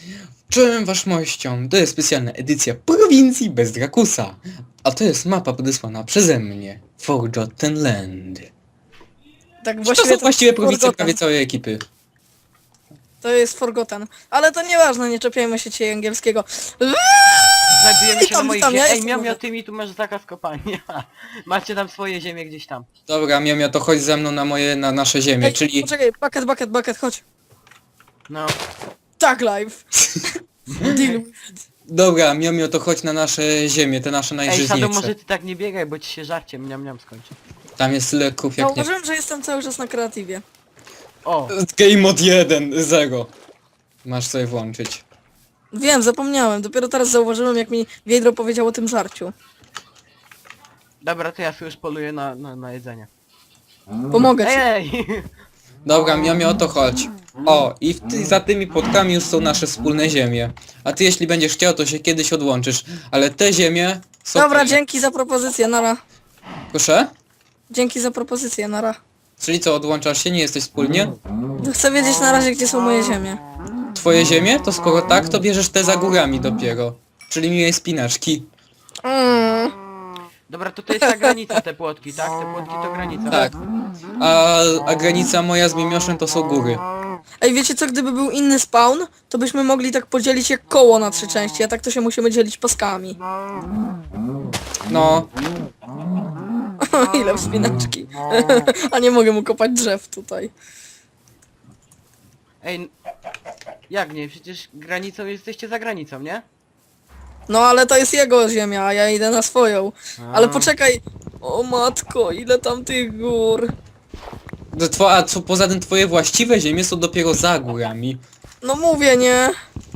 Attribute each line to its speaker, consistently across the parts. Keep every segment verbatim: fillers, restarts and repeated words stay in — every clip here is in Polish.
Speaker 1: Czołem waszmością, to jest specjalna edycja prowincji bez Drakusa. A to jest mapa podesłana przeze mnie. Forgotten Land.
Speaker 2: Tak
Speaker 1: To
Speaker 2: właściwie
Speaker 1: są
Speaker 2: to
Speaker 1: właściwie prowincje
Speaker 2: Forgotten.
Speaker 1: prawie całej ekipy.
Speaker 2: To jest Forgotten. Ale to nieważne, nie czepiajmy się dzisiaj angielskiego.
Speaker 3: Znajdujemy się
Speaker 2: Witam,
Speaker 3: na moich
Speaker 2: witam, ja
Speaker 3: ziemiach. Ej,
Speaker 2: jestem
Speaker 3: miał,
Speaker 2: nowy.
Speaker 3: miał, ty mi tu masz zakaz kopania. Macie tam swoje ziemie gdzieś tam.
Speaker 1: Dobra, Miomio, to chodź ze mną na moje, na nasze ziemię,
Speaker 2: Ej,
Speaker 1: czyli...
Speaker 2: poczekaj, bucket, bucket, bucket, chodź.
Speaker 3: No.
Speaker 2: Tak, live. Deal with it.
Speaker 1: Dobra, Miomio, to chodź na nasze ziemie, te nasze
Speaker 3: Ej, Shadow,
Speaker 1: najżyźniejsze.
Speaker 3: może ty tak nie biegaj, bo ci się żarcie mniam mniam skończy.
Speaker 1: Tam jest tyle krów jak nie...
Speaker 2: Zauważyłem, że jestem cały czas na kreatywie.
Speaker 3: O!
Speaker 1: Game mod jeden, zero. Masz sobie włączyć.
Speaker 2: Wiem, zapomniałem. Dopiero teraz zauważyłem, jak mi Wiedro powiedział o tym żarciu.
Speaker 3: Dobra, to ja sobie już poluję na, na, na jedzenie.
Speaker 2: Pomogę ci.
Speaker 3: Ej, ej!
Speaker 1: Dobra, Miomio, to chodź. O, i w ty, za tymi płotkami już są nasze wspólne ziemie. A ty jeśli będziesz chciał, to się kiedyś odłączysz. Ale te ziemie są...
Speaker 2: Dobra,
Speaker 1: twoje.
Speaker 2: dzięki za propozycję, nara.
Speaker 1: Proszę?
Speaker 2: Dzięki za propozycję, nara.
Speaker 1: Czyli co, odłączasz się? Nie jesteś wspólnie?
Speaker 2: Chcę wiedzieć na razie, gdzie są moje ziemie.
Speaker 1: Twoje ziemie? To skoro tak, to bierzesz te za górami dopiero. Czyli miłej spinaczki.
Speaker 2: Mm.
Speaker 3: Dobra, to to jest ta granica, te płotki, tak? Te płotki to granica.
Speaker 1: Tak. A, a granica moja z Miemioszem to są góry.
Speaker 2: Ej, wiecie co, gdyby był inny spawn, to byśmy mogli tak podzielić jak koło na trzy części, a tak to się musimy dzielić paskami.
Speaker 1: No,
Speaker 2: Ile wspinaczki. A nie mogę mu kopać drzew tutaj.
Speaker 3: Ej, n- jak nie? Przecież granicą jesteście za granicą, nie?
Speaker 2: No ale to jest jego ziemia, a ja idę na swoją. Ale
Speaker 3: A.
Speaker 2: poczekaj. O matko, ile tam tych gór.
Speaker 1: to two, a co, poza tym twoje właściwe ziemie są dopiero za górami.
Speaker 2: No mówię, nie?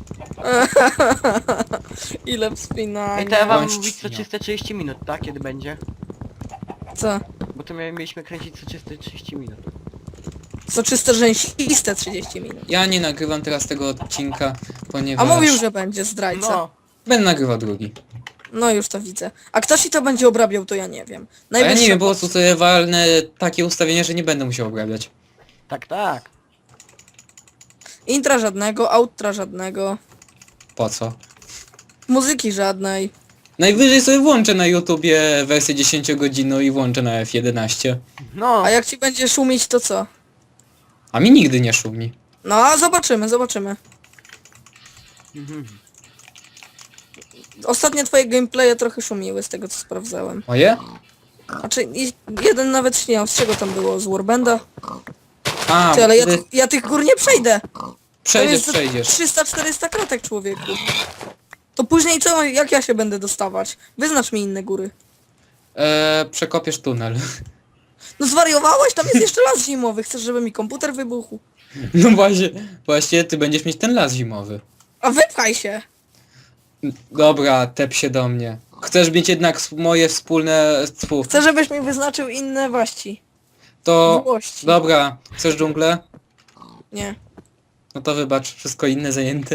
Speaker 2: Ile wspinań.
Speaker 3: Ej, to ja wam
Speaker 1: Bądź
Speaker 3: mówić co
Speaker 1: świnią.
Speaker 3: trzysta trzydzieści minut, tak? Kiedy będzie?
Speaker 2: Co?
Speaker 3: Bo to mia- mieliśmy kręcić co trzysta trzydzieści minut.
Speaker 2: Co czyste rzęsiste trzydzieści minut.
Speaker 1: Ja nie nagrywam teraz tego odcinka,
Speaker 2: A
Speaker 1: ponieważ...
Speaker 2: mówił, że będzie zdrajca.
Speaker 3: No,
Speaker 1: Będę nagrywał drugi.
Speaker 2: No już to widzę. A kto ci to będzie obrabiał, to ja nie wiem.
Speaker 1: A ja nie
Speaker 2: Najwyższa
Speaker 1: wiem, po prostu sobie walnę takie ustawienie, że nie będę musiał obrabiać.
Speaker 3: tak, tak.
Speaker 2: Intra żadnego, outra żadnego,
Speaker 1: Po co?
Speaker 2: muzyki żadnej.
Speaker 1: Najwyżej sobie włączę na YouTubie wersję dziesięciogodzinną i włączę na F jedenaście.
Speaker 3: No,
Speaker 2: A jak ci będzie szumić, to co?
Speaker 1: A mi nigdy nie szumi.
Speaker 2: No a zobaczymy, zobaczymy.
Speaker 3: mhm.
Speaker 2: Ostatnie twoje gameplaye trochę szumiły z tego co sprawdzałem.
Speaker 1: Moje?
Speaker 2: Znaczy i- jeden nawet śniał, z czego tam było? Z Warbanda?
Speaker 1: A,
Speaker 2: Ty, ale ja,
Speaker 1: ty-
Speaker 2: tych- ja tych gór nie przejdę.
Speaker 1: przejdziesz,
Speaker 2: to
Speaker 1: przejdziesz.
Speaker 2: jest trzysta czterysta kratek, człowieku. To później co, jak ja się będę dostawać? Wyznacz mi inne góry.
Speaker 1: Eee, przekopiesz tunel.
Speaker 2: No zwariowałeś? Tam jest jeszcze las zimowy. Chcesz, żeby mi komputer wybuchł?
Speaker 1: No właśnie, właśnie ty będziesz mieć ten las zimowy.
Speaker 2: A wypchaj się!
Speaker 1: Dobra, tep się do mnie. Chcesz mieć jednak s- moje wspólne... Tfu,
Speaker 2: Chcę, żebyś mi wyznaczył inne waści.
Speaker 1: to...
Speaker 2: Włości.
Speaker 1: Dobra, chcesz dżunglę?
Speaker 2: Nie.
Speaker 1: No to wybacz, wszystko inne zajęte.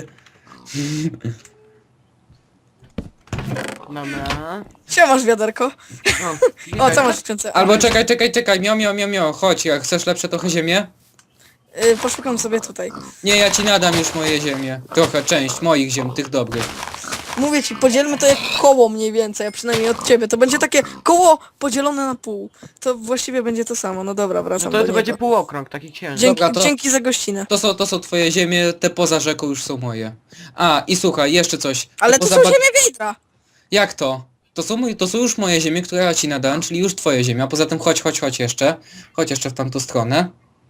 Speaker 3: Dobra.
Speaker 2: Siemasz wiaderko.
Speaker 3: O,
Speaker 2: O,
Speaker 3: witaj.
Speaker 2: co masz w skrzynce?
Speaker 1: Albo czekaj, czekaj, czekaj, mio, mio, mio, mio, chodź, jak chcesz lepsze trochę ziemię?
Speaker 2: Y, poszukam sobie tutaj.
Speaker 1: Nie, ja ci nadam już moje ziemię. Trochę, część moich ziem, tych dobrych.
Speaker 2: Mówię ci, podzielmy to jak koło mniej więcej, a przynajmniej od ciebie. To będzie takie koło podzielone na pół. To właściwie będzie to samo. No dobra,
Speaker 3: No
Speaker 2: wracam
Speaker 3: to,
Speaker 2: do
Speaker 3: to będzie
Speaker 2: niego.
Speaker 3: półokrąg, taki księżyc.
Speaker 2: Dzięki,
Speaker 1: Dobra, to-
Speaker 2: dzięki za gościnę.
Speaker 1: To są, to są twoje ziemie, te poza rzeką już są moje. A, i słuchaj, jeszcze coś. Te
Speaker 2: Ale to
Speaker 1: poza
Speaker 2: są
Speaker 1: ba-
Speaker 2: ziemie Wiedra.
Speaker 1: Jak to? To są, mój, to są już moje ziemie, które ja ci nadałem, czyli już twoje ziemia. Poza tym chodź, chodź, chodź jeszcze. Chodź jeszcze w tamtą stronę.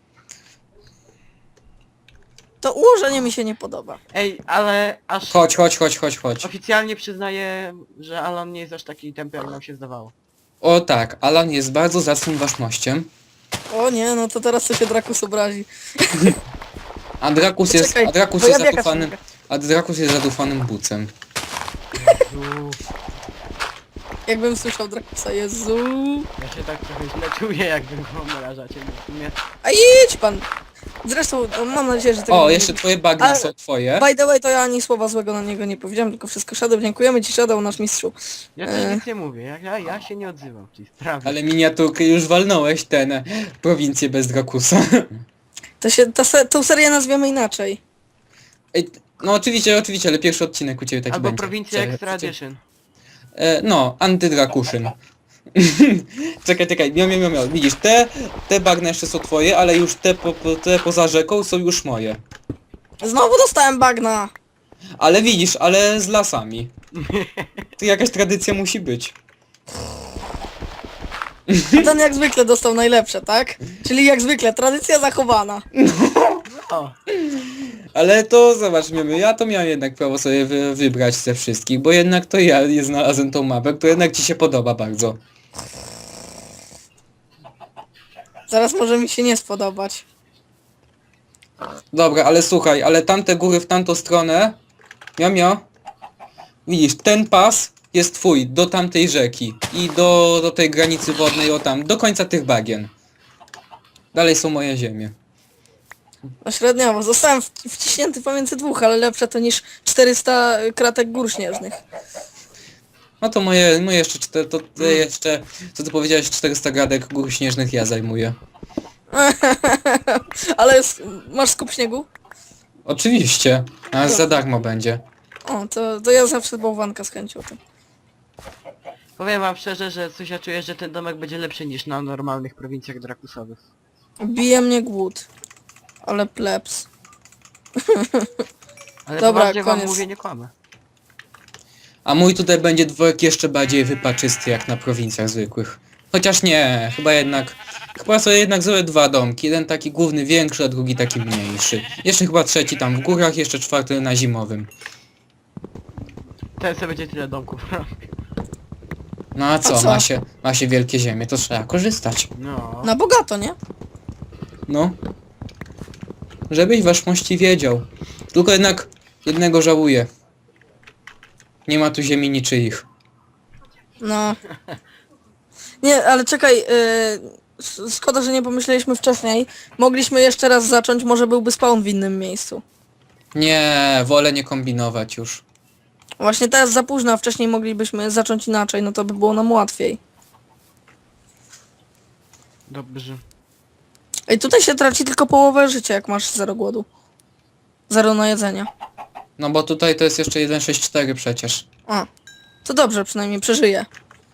Speaker 2: To ułożenie mi się nie podoba.
Speaker 3: Ej, ale aż
Speaker 1: Chodź, chodź, chodź, chodź, chodź.
Speaker 3: oficjalnie przyznaję, że Alan nie jest aż taki tępy, jak nam się zdawało.
Speaker 1: O tak, Alan jest bardzo zacnym waszmościem.
Speaker 2: O nie, no to teraz to się Drakus obrazi.
Speaker 1: A Drakus jest,
Speaker 2: Poczekaj,
Speaker 1: a Drakus
Speaker 2: bo ja
Speaker 1: jest
Speaker 2: biegać
Speaker 1: zadufanym,
Speaker 2: mogę.
Speaker 1: a Drakus jest zadufanym bucem.
Speaker 3: Jezu,
Speaker 2: Jakbym słyszał Drakusa, Jezu.
Speaker 3: ja się tak trochę źle czuję, jakby go obrażacie. bo w sumie-
Speaker 2: A idź pan. Zresztą no, mam nadzieję, że tego
Speaker 1: O,
Speaker 2: nie
Speaker 1: jeszcze
Speaker 2: lubi.
Speaker 1: twoje bagna
Speaker 2: Ale-
Speaker 1: są twoje.
Speaker 2: By the way, to ja ani słowa złego na niego nie powiedziałem, tylko wszystko Shadow. Dziękujemy ci Shadow, nasz mistrzu.
Speaker 3: Ja też
Speaker 2: E.
Speaker 3: nic nie mówię, ja, ja, ja się nie odzywam w tej sprawie.
Speaker 1: Ale miniaturkę już walnąłeś ten e, prowincję bez Drakusa.
Speaker 2: To się, ta se, tą serię nazwiemy inaczej.
Speaker 1: Ej, No oczywiście, oczywiście, ale pierwszy odcinek u ciebie taki
Speaker 3: Albo
Speaker 1: będzie.
Speaker 3: prowincja
Speaker 1: Czekaj,
Speaker 3: Extra
Speaker 1: czekaj.
Speaker 3: Edition.
Speaker 1: E, no, antydrakuszyn. Czekaj, czekaj, miał, miał, miał, miał. Widzisz, te, te bagna jeszcze są twoje, ale już te, po, po, te poza rzeką są już moje.
Speaker 2: Znowu dostałem bagna.
Speaker 1: Ale widzisz, ale z lasami. To jakaś tradycja musi być.
Speaker 2: A ten jak zwykle dostał najlepsze, tak? Czyli jak zwykle, tradycja zachowana.
Speaker 3: O,
Speaker 1: Ale to zobacz, miemy, ja to miałem jednak prawo sobie wy, wybrać ze wszystkich, bo jednak to ja je znalazłem tą mapę, która jednak ci się podoba bardzo.
Speaker 2: Zaraz może mi się nie spodobać.
Speaker 1: Dobra, ale słuchaj, ale tamte góry w tamtą stronę, mio, mio, widzisz, ten pas jest twój, do tamtej rzeki i do, do tej granicy wodnej, o tam, do końca tych bagien. Dalej są moje ziemie.
Speaker 2: No średniowo. Zostałem w, wciśnięty pomiędzy dwóch, ale lepsze to niż czterysta kratek gór śnieżnych.
Speaker 1: No to moje, moje jeszcze, czte, to ty jeszcze, co ty powiedziałeś, czterysta gradek gór śnieżnych ja zajmuję.
Speaker 2: Ale s- masz skup śniegu?
Speaker 1: Oczywiście, a za darmo będzie.
Speaker 2: O, to, to ja zawsze bałwanka z chęcią. To.
Speaker 3: powiem wam szczerze, że coś ja czuję, że ten domek będzie lepszy niż na normalnych prowincjach drakusowych.
Speaker 2: Bije mnie głód. Ale plebs.
Speaker 3: Ale
Speaker 2: Dobra,
Speaker 3: poważnie wam
Speaker 2: koniec.
Speaker 3: mówię, nie kłamę.
Speaker 1: A mój tutaj będzie dworek jeszcze bardziej wypaczysty jak na prowincjach zwykłych. Chociaż nie, chyba jednak... Chyba sobie jednak zrobię dwa domki. Jeden taki główny większy, a drugi taki mniejszy. Jeszcze chyba trzeci tam w górach, jeszcze czwarty na zimowym.
Speaker 3: Ten sobie będzie tyle domków.
Speaker 1: No a co,
Speaker 2: co?
Speaker 1: Ma, się, ma się wielkie ziemie, to trzeba korzystać.
Speaker 3: No.
Speaker 2: Na bogato, nie?
Speaker 1: No. Żebyś wasz mości wiedział. Tylko jednak jednego żałuję. Nie ma tu ziemi niczyich.
Speaker 2: No. Nie, ale czekaj, yy, s- szkoda, że nie pomyśleliśmy wcześniej. Mogliśmy jeszcze raz zacząć, może byłby spawn w innym miejscu.
Speaker 1: Nie, wolę nie kombinować już.
Speaker 2: Właśnie teraz za późno, a wcześniej moglibyśmy zacząć inaczej, no to by było nam łatwiej.
Speaker 3: Dobrze.
Speaker 2: Ej, tutaj się traci tylko połowę życia, jak masz zero głodu. Zero na jedzenia.
Speaker 1: No bo tutaj to jest jeszcze jeden sześć cztery przecież.
Speaker 2: A, to dobrze, przynajmniej przeżyję.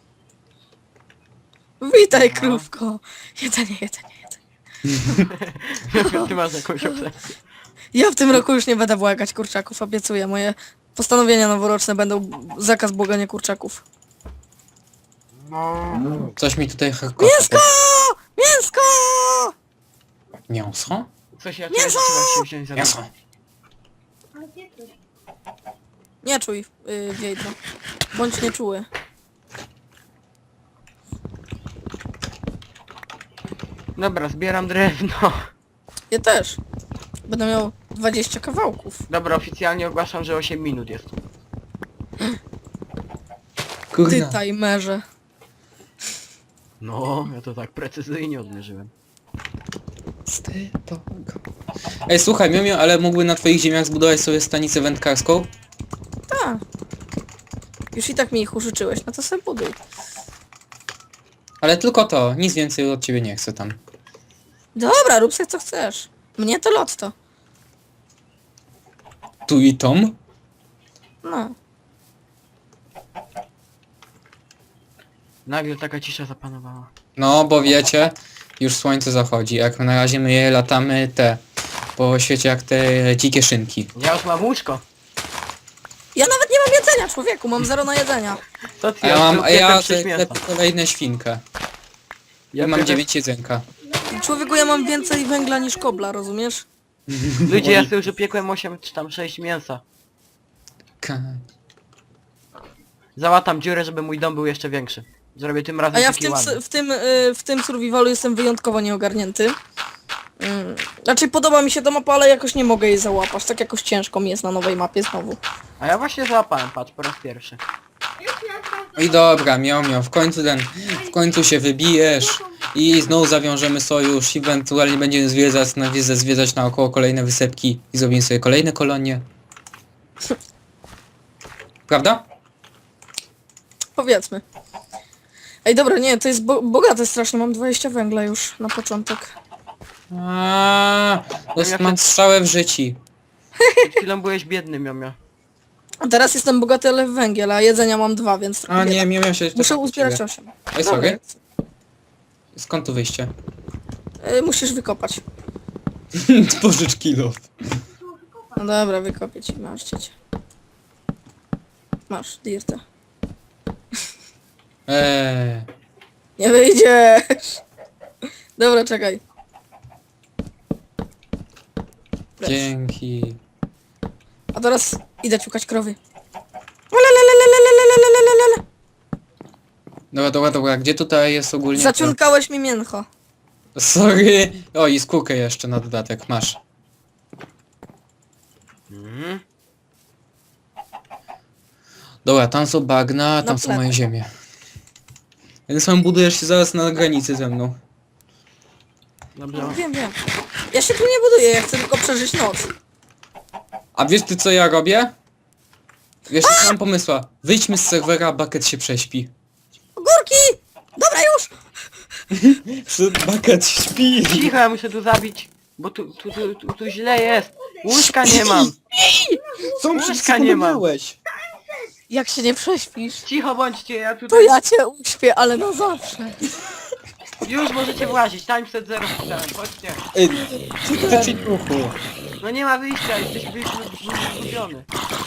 Speaker 2: Witaj,
Speaker 3: No.
Speaker 2: krówko. Jedzenie, jedzenie, jedzenie.
Speaker 3: Ty masz jakąś obsesję.
Speaker 2: Ja w tym roku już nie będę błagać kurczaków, obiecuję. Moje postanowienia noworoczne będą zakaz błagania kurczaków.
Speaker 1: Coś mi tutaj harkota.
Speaker 2: Mięsko! Mięsko!
Speaker 1: Mięso?
Speaker 3: Coś ja czuję, że trzeba się wziąć za
Speaker 1: Mięso.
Speaker 2: Nie czuj, yy, Wiedźma. Bądź nieczuły.
Speaker 3: Dobra, zbieram drewno.
Speaker 2: Ja też. Będę miał dwadzieścia kawałków.
Speaker 3: Dobra, oficjalnie ogłaszam, że osiem minut jest.
Speaker 2: Ty,
Speaker 1: Kurna.
Speaker 2: timerze.
Speaker 3: No, ja to tak precyzyjnie odmierzyłem.
Speaker 1: Ty, to... Ej, słuchaj, Miomio, ale mógłby na twoich ziemiach zbudować sobie stanicę wędkarską?
Speaker 2: Tak. Już i tak mi ich użyczyłeś, no to sobie buduj.
Speaker 1: Ale tylko to, nic więcej od ciebie nie chcę tam.
Speaker 2: Dobra, rób sobie co chcesz. Mnie to lotto.
Speaker 1: Tu i tom?
Speaker 2: No.
Speaker 3: Nagle taka cisza zapanowała.
Speaker 1: No, bo wiecie, już słońce zachodzi, jak na razie my je latamy te, po świecie jak te dzikie szynki.
Speaker 3: Ja już mam łóżko.
Speaker 2: Ja nawet nie mam jedzenia, człowieku, mam zero na jedzenia.
Speaker 3: To ty,
Speaker 1: A ja mam, a ja
Speaker 3: sześć
Speaker 1: te,
Speaker 3: mięsa.
Speaker 1: te kolejne świnkę. Ja
Speaker 3: Ja
Speaker 1: mam
Speaker 3: pierdolę-
Speaker 1: dziewięć jedzenka.
Speaker 2: Człowieku, ja mam więcej węgla niż kobla, rozumiesz?
Speaker 3: Ludzie, ja sobie już upiekłem osiem czy tam sześć mięsa.
Speaker 1: Ka-
Speaker 3: Załatam dziurę, żeby mój dom był jeszcze większy. Zrobię tym razem
Speaker 2: A ja w
Speaker 3: taki
Speaker 2: tym,
Speaker 3: ładny.
Speaker 2: s- w tym, y, w tym survivalu jestem wyjątkowo nieogarnięty. Mm. Raczej podoba mi się ta mapa, ale jakoś nie mogę jej załapać. Tak jakoś ciężko mi jest na nowej mapie znowu.
Speaker 3: A ja właśnie załapałem, patrz, po raz pierwszy.
Speaker 1: I dobra, miał, miał, w końcu ten, w końcu się wybijesz i znowu zawiążemy sojusz, ewentualnie będziemy zwiedzać na, zwiedzać, zwiedzać naokoło kolejne wysepki i zrobimy sobie kolejne kolonie. Prawda?
Speaker 2: Powiedzmy. Ej, dobra, nie, to jest bo bogate strasznie, mam dwadzieścia węgla już na początek.
Speaker 1: Aaaa, to jest- mam strzałę w życiu.
Speaker 3: Przed chwilą byłeś biedny, miomio.
Speaker 2: A teraz jestem bogaty, ale w węgiel, a jedzenia mam dwa, więc trochę
Speaker 1: A nie,
Speaker 2: bieda.
Speaker 1: miałem się...
Speaker 2: Muszę
Speaker 1: czekam
Speaker 2: uzbierać
Speaker 1: ciebie.
Speaker 2: osiem.
Speaker 1: Ej,
Speaker 2: Dobra,
Speaker 1: sorry. Skąd tu wyjście?
Speaker 2: y, musisz wykopać.
Speaker 1: Pożycz kilo.
Speaker 2: No dobra, wykopię ci, masz ciecie. Masz, dirta.
Speaker 1: Eee,
Speaker 2: Nie wyjdziesz! Dobra, czekaj. Lecz.
Speaker 1: dzięki.
Speaker 2: A teraz idę ciukać krowy. Lelelelelelelelelelelele.
Speaker 1: Dobra, dobra, dobra, gdzie tutaj jest ogólnie... to-
Speaker 2: Zaciunkałeś mi mięcho.
Speaker 1: Sorry. O, i skórkę jeszcze na dodatek, masz.
Speaker 3: Mhm.
Speaker 1: Dobra, tam są bagna, tam są
Speaker 2: plecach.
Speaker 1: moje ziemie. Więc sam budujesz się zaraz na granicy ze mną.
Speaker 3: Dobrze.
Speaker 2: No, wiem, wiem. Ja się tu nie buduję, ja chcę tylko przeżyć noc.
Speaker 1: A wiesz ty co ja robię? Wiesz, nie mam pomysła. Wyjdźmy z serwera, a Bucket się prześpi.
Speaker 2: Górki! Dobra już!
Speaker 1: Bucket śpi!
Speaker 3: Cicho, ja muszę tu zabić. Bo tu, tu, tu, tu, tu źle jest. Łóżka nie mam.
Speaker 1: Co
Speaker 3: mi się nie ma.
Speaker 2: Jak się nie prześpisz,
Speaker 3: Cicho bądźcie, ja
Speaker 2: to
Speaker 3: tutaj...
Speaker 2: ja cię uśpię, ale na zawsze.
Speaker 3: Już możecie włazić, timeset zero wpisałem, chodźcie.
Speaker 1: Ej, ty duchu.
Speaker 3: No nie ma wyjścia, jesteś wygubiony.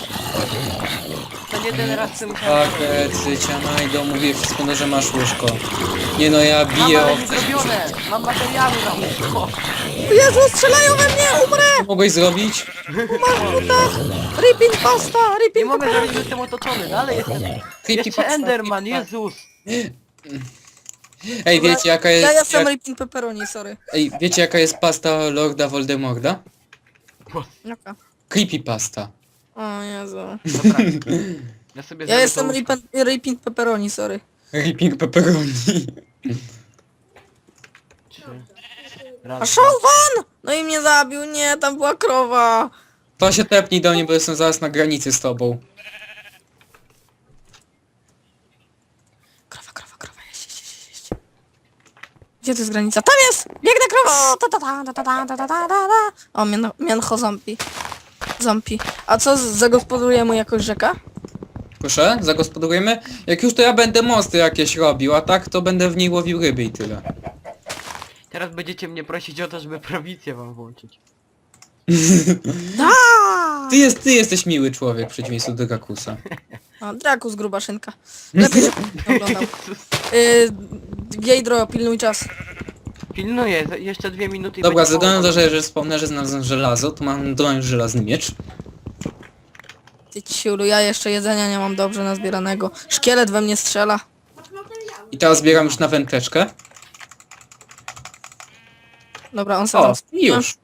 Speaker 3: To nie ten raz co musiałem zrobić.
Speaker 1: Bucket, życia najdą, mówię wszystko, no, że masz łóżko. Nie no, ja
Speaker 3: Mam
Speaker 1: biję
Speaker 3: ale
Speaker 1: o...
Speaker 3: nie zrobione, mam materiały na łóżko.
Speaker 2: Jezu, strzelają we mnie, umrę!
Speaker 1: Co mogłeś zrobić?
Speaker 2: Ripping pasta,
Speaker 3: Nie
Speaker 2: ripping
Speaker 3: mogę zrobić, że jestem otoczony, dalej jestem.
Speaker 1: Creepy
Speaker 3: Jeszcze
Speaker 1: pasta,
Speaker 3: Enderman,
Speaker 1: creepy
Speaker 3: Jezus.
Speaker 1: Ej, wiecie jaka jest...
Speaker 2: Ja jestem
Speaker 1: jak...
Speaker 2: ripping pepperoni, sorry.
Speaker 1: Ej, wiecie jaka jest pasta Lorda Voldemorda?
Speaker 2: Jaka?
Speaker 1: Creepy pasta.
Speaker 2: O Jezu.
Speaker 3: Dobra. Ja sobie
Speaker 2: Ja
Speaker 3: zrobię
Speaker 2: jestem
Speaker 3: to łóżko.
Speaker 2: ripping, ripping pepperoni, sorry.
Speaker 1: Ripping pepperoni.
Speaker 3: Trzy.
Speaker 2: A
Speaker 3: Raz, dwa.
Speaker 2: Szałwan! No i mnie zabił, nie, tam była krowa.
Speaker 1: To się tepnij do mnie, bo jestem zaraz na granicy z tobą.
Speaker 2: Krowa, krowa, krowa, jeść, jeść, jeść, jeść. Gdzie to jest granica? Tam jest! Biegnę krowa! Ta, ta, ta, ta, ta, ta, ta, ta, ta, ta. O, mian, miancho zombie. Zombie. A co, z- zagospodaruje mu jakoś rzeka?
Speaker 1: Proszę, zagospodarujemy? Jak już to ja będę mosty jakieś robił, a tak to będę w niej łowił ryby i tyle.
Speaker 3: Teraz będziecie mnie prosić o to, żeby prowincję wam włączyć.
Speaker 2: Da!
Speaker 1: Ty, jest, ty jesteś miły człowiek w przeciwieństwie do Drakusa.
Speaker 2: A, Drakus, gruba szynka. Lepiej, żeby nie oglądał. Y, Gejdro, pilnuj czas.
Speaker 3: Pilnuję, za- jeszcze dwie minuty i
Speaker 1: Dobra,
Speaker 3: będzie
Speaker 1: ze względu na
Speaker 3: połowa.
Speaker 1: to, że, że wspomnę, że znalazłem żelazo, to mam dość żelazny miecz.
Speaker 2: Ty ciulu, ja jeszcze jedzenia nie mam dobrze nazbieranego. Szkielet we mnie strzela.
Speaker 1: I teraz zbieram już na wędeczkę.
Speaker 2: Dobra, on sam.
Speaker 1: O, i już.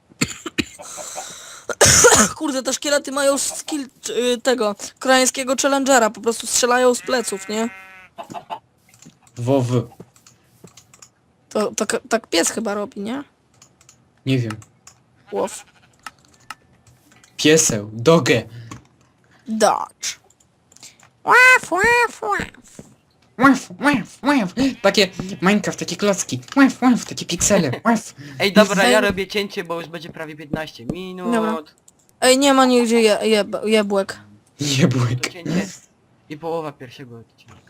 Speaker 2: Kurde, te szkielety mają skill y, tego koreańskiego challengera, po prostu strzelają z pleców, nie?
Speaker 1: WoW.
Speaker 2: To, to k- tak pies chyba robi, nie?
Speaker 1: Nie wiem.
Speaker 2: Łow.
Speaker 1: Pieseł. Dogę.
Speaker 2: Dodge. Łaf, łaf, łaf.
Speaker 1: Łaf, łaf, łaf. Takie Minecraft, takie klocki. Łaf, łaf, takie piksele. Łaf.
Speaker 3: Ej, dobra, ja
Speaker 2: Ej.
Speaker 3: robię cięcie, bo już będzie prawie piętnaście minut.
Speaker 2: Dobra. Ej, nie ma nigdzie je, jeb, jebłek.
Speaker 1: Jebłyk.
Speaker 3: To cięcie i połowa pierwszego odcinka.